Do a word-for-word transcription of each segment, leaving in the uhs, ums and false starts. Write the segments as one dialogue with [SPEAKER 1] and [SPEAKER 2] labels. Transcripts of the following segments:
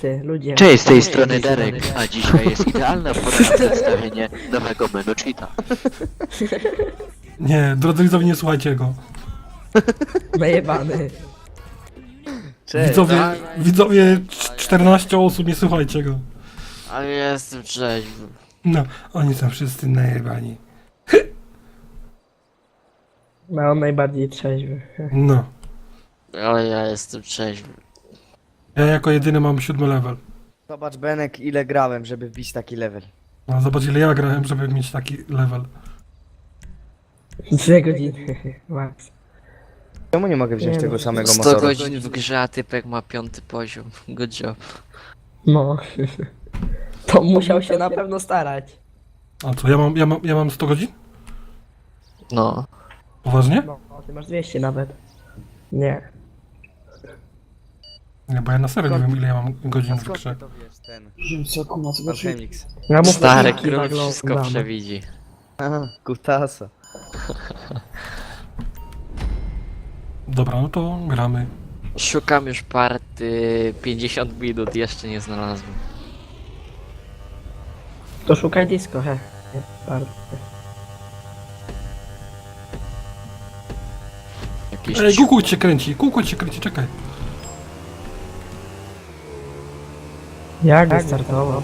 [SPEAKER 1] ty, ludzie.
[SPEAKER 2] Cześć, z tej strony Darek, a dzisiaj jest idealna pora na przedstawienie nowego menu cheata.
[SPEAKER 3] Nie, drodzy widzowie, nie słuchajcie go.
[SPEAKER 1] Najebany.
[SPEAKER 4] Cześć.
[SPEAKER 3] Widzowie,
[SPEAKER 4] No,
[SPEAKER 3] widzowie, cz- czternaście osób, nie słuchajcie go.
[SPEAKER 4] ale ja jestem trzeźwy.
[SPEAKER 3] No, oni są wszyscy najebani.
[SPEAKER 1] No, on najbardziej trzeźwy.
[SPEAKER 3] No.
[SPEAKER 4] Ale ja jestem trzeźwy.
[SPEAKER 3] Ja jako jedyny mam siódmy level.
[SPEAKER 5] Zobacz Benek, ile grałem, żeby wbić taki level.
[SPEAKER 3] No, zobacz ile ja grałem, żeby mieć taki level.
[SPEAKER 1] Dwie godziny. Max.
[SPEAKER 5] Czemu nie mogę wziąć
[SPEAKER 1] Nie
[SPEAKER 5] tego
[SPEAKER 1] no,
[SPEAKER 5] samego
[SPEAKER 4] sto
[SPEAKER 5] motoru?
[SPEAKER 4] godzin w grze, a typek ma piąty poziom. Good job.
[SPEAKER 1] No. To musiał się na pewno starać.
[SPEAKER 3] A co, ja mam, ja mam, ja mam sto godzin?
[SPEAKER 4] No.
[SPEAKER 3] Poważnie?
[SPEAKER 1] No, ty masz dwieście nawet. Nie.
[SPEAKER 3] Nie, bo ja na serio nie wiem ile ja mam godzin
[SPEAKER 5] A
[SPEAKER 3] w
[SPEAKER 5] skąd
[SPEAKER 3] grze.
[SPEAKER 5] ty to wiesz, ten?
[SPEAKER 6] Co kuma, co znaczy?
[SPEAKER 5] Alchemix.
[SPEAKER 1] Ja mu
[SPEAKER 4] Stary
[SPEAKER 1] początki
[SPEAKER 4] król
[SPEAKER 1] naglądam.
[SPEAKER 4] wszystko przewidzi.
[SPEAKER 5] Aha, kutasa.
[SPEAKER 3] Dobra, no to gramy.
[SPEAKER 4] Szukam już party pięćdziesiąt minut, jeszcze nie znalazłem.
[SPEAKER 1] To szukaj disco, he. Nie, bardzo.
[SPEAKER 4] Jakiś
[SPEAKER 3] Ej, kukut się kręci, kukut się kręci, czekaj.
[SPEAKER 1] Jak wystartował?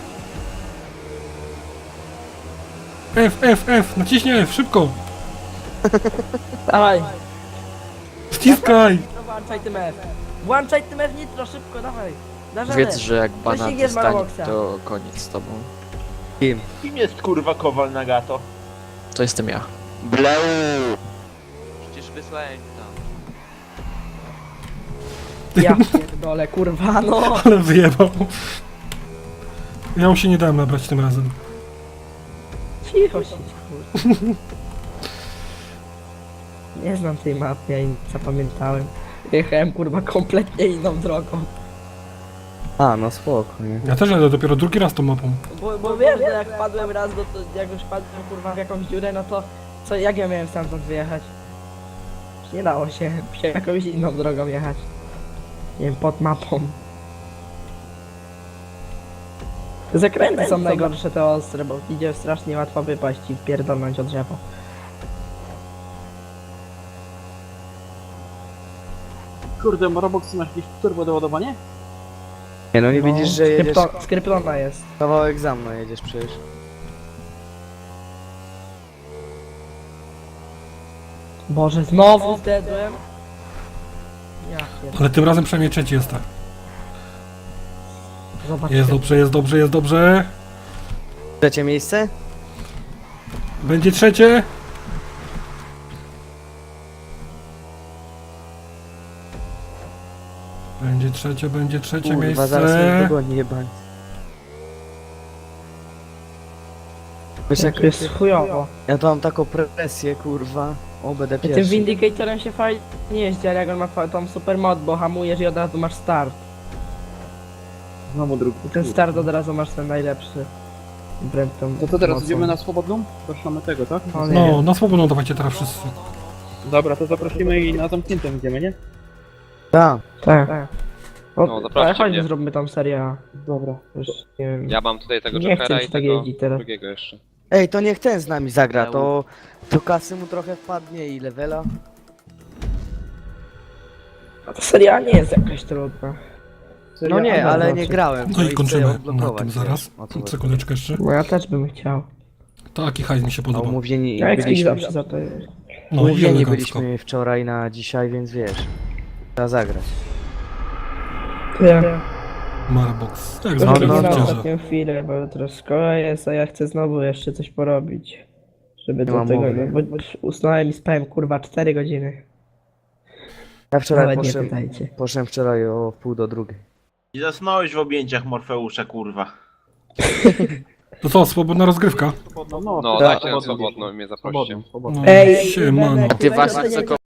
[SPEAKER 3] F, F, F, naciśnij F, szybko.
[SPEAKER 1] Dawaj!
[SPEAKER 3] Ściskaj.
[SPEAKER 1] No, włączaj tym F. Włączaj tym F nitro, szybko, dawaj. Dasz radę.
[SPEAKER 4] Wiedz, że jak banan
[SPEAKER 1] Wyścig jest
[SPEAKER 4] dostanie,
[SPEAKER 1] Marboxa.
[SPEAKER 4] to koniec z tobą.
[SPEAKER 5] Kim?
[SPEAKER 6] Kim jest kurwa Kowal Nagato?
[SPEAKER 4] To jestem ja.
[SPEAKER 2] Blau!
[SPEAKER 6] Przecież wysłałem tam.
[SPEAKER 1] Ja pierdolę, kurwa, no!
[SPEAKER 3] Ale wyjebał. Ja mu się nie dałem nabrać tym razem.
[SPEAKER 1] Cicho się, kurwa. Nie znam tej mapy, ja jej nie zapamiętałem. Jechałem, kurwa, kompletnie inną drogą.
[SPEAKER 5] A, no spoko, nie?
[SPEAKER 3] Ja też jadę dopiero drugi raz tą mapą.
[SPEAKER 1] Bo, bo wiesz, że jak wpadłem raz, no to jak już wpadłem, kurwa, w jakąś dziurę, no to co, jak ja miałem stamtąd wyjechać? Nie dało się, musiałem jakąś inną drogą jechać. Nie wiem, pod mapą. Te zakręty są najgorsze, te ostre, bo idzie strasznie łatwo wypaść i wpierdolnąć o drzewo.
[SPEAKER 6] Kurde, Roblox masz jakieś turbo doładowanie?
[SPEAKER 5] Nie no, nie widzisz, że jedziesz...
[SPEAKER 1] Skrypto, skryptona jest.
[SPEAKER 5] Kawałek za mną jedziesz przecież.
[SPEAKER 1] Boże, znowu zdedłem. Ja pierdolę.
[SPEAKER 3] Ale tym razem przynajmniej trzeci jest tak.
[SPEAKER 1] Zobacz.
[SPEAKER 3] Jest dobrze, jest dobrze, jest dobrze.
[SPEAKER 5] Trzecie miejsce?
[SPEAKER 3] Będzie trzecie. Będzie trzecie, będzie trzecie
[SPEAKER 5] Kurwa, zaraz mnie
[SPEAKER 3] miejsce.
[SPEAKER 5] dogoni jebani. Wiesz jak
[SPEAKER 1] To jest chujowo.
[SPEAKER 5] ja to mam taką presję, kurwa. O, będę
[SPEAKER 1] I tym
[SPEAKER 5] pierwszy.
[SPEAKER 1] Vindicatorem się fajnie jeździ, ale jak on ma fa- tą super mod, bo hamujesz i od razu masz start.
[SPEAKER 6] Znowu drugi.
[SPEAKER 1] I ten start od razu masz ten najlepszy. Wbrew tą
[SPEAKER 6] To co teraz,
[SPEAKER 1] mocą.
[SPEAKER 6] idziemy na swobodną? Zapraszamy tego, tak?
[SPEAKER 1] O nie.
[SPEAKER 3] No, na swobodną dawajcie teraz wszyscy.
[SPEAKER 6] Dobra, to zaprosimy i na zamkniętym idziemy, nie?
[SPEAKER 5] Tak.
[SPEAKER 1] Tak. tak. O,
[SPEAKER 7] No,
[SPEAKER 1] ale
[SPEAKER 7] zapraszam
[SPEAKER 1] chodźmy,
[SPEAKER 7] mnie.
[SPEAKER 1] zróbmy tam serię A.
[SPEAKER 6] Dobra.
[SPEAKER 1] Już nie wiem.
[SPEAKER 7] Ja mam tutaj tego
[SPEAKER 1] Nie
[SPEAKER 7] Jokera
[SPEAKER 1] chcę
[SPEAKER 7] i
[SPEAKER 1] się tak
[SPEAKER 7] tego
[SPEAKER 1] jeździć teraz.
[SPEAKER 7] drugiego jeszcze.
[SPEAKER 5] Ej, to niech ten z nami zagra, to... To kasy mu trochę wpadnie i levela.
[SPEAKER 1] A ta seria A nie jest jakaś trudna.
[SPEAKER 5] No nie,
[SPEAKER 1] Seria A
[SPEAKER 5] ale
[SPEAKER 1] znaczy.
[SPEAKER 5] nie grałem.
[SPEAKER 3] No i
[SPEAKER 5] chcę
[SPEAKER 3] kończymy na
[SPEAKER 5] odblokować,
[SPEAKER 3] tym
[SPEAKER 5] wiesz,
[SPEAKER 3] zaraz.
[SPEAKER 5] o co chodzi.
[SPEAKER 3] Sekundeczkę jeszcze.
[SPEAKER 1] Bo ja też bym chciał.
[SPEAKER 3] Taki hajs mi się
[SPEAKER 5] A
[SPEAKER 3] podoba.
[SPEAKER 5] umówieni
[SPEAKER 1] Ja jak
[SPEAKER 5] byliśmy,
[SPEAKER 1] zawsze za to jest.
[SPEAKER 3] No i
[SPEAKER 5] umówieni
[SPEAKER 3] elegancko.
[SPEAKER 5] byliśmy wczoraj na dzisiaj, więc wiesz. Trzeba zagrać.
[SPEAKER 1] Ja.
[SPEAKER 3] Marbox. Jak
[SPEAKER 1] No,
[SPEAKER 3] zwykle
[SPEAKER 5] no,
[SPEAKER 1] no,
[SPEAKER 3] w
[SPEAKER 1] na
[SPEAKER 5] no.
[SPEAKER 3] wczoraj.
[SPEAKER 1] ostatnią chwilę, bo jutro szkoła jest, a ja chcę znowu jeszcze coś porobić. Żeby
[SPEAKER 5] Nie
[SPEAKER 1] do
[SPEAKER 5] mam
[SPEAKER 1] tego,
[SPEAKER 5] mowy.
[SPEAKER 1] bo, bo usnąłem i spałem kurwa cztery godziny.
[SPEAKER 5] Ja wczoraj
[SPEAKER 1] Nawet nie
[SPEAKER 5] poszedłem,
[SPEAKER 1] pytajcie.
[SPEAKER 5] poszedłem wczoraj o pół do drugiej.
[SPEAKER 8] I zasnąłeś w objęciach Morfeusza, kurwa.
[SPEAKER 3] To co, swobodna rozgrywka?
[SPEAKER 6] No,
[SPEAKER 7] No,
[SPEAKER 6] tak,
[SPEAKER 7] dajcie na
[SPEAKER 6] swobodną.
[SPEAKER 7] swobodną i mnie zaproście.
[SPEAKER 6] Swobodną, swobodną.
[SPEAKER 3] No,
[SPEAKER 1] Ej,
[SPEAKER 3] siemano.
[SPEAKER 1] Benek,
[SPEAKER 4] Ty
[SPEAKER 1] weź
[SPEAKER 4] właśnie
[SPEAKER 1] oceniaj
[SPEAKER 4] co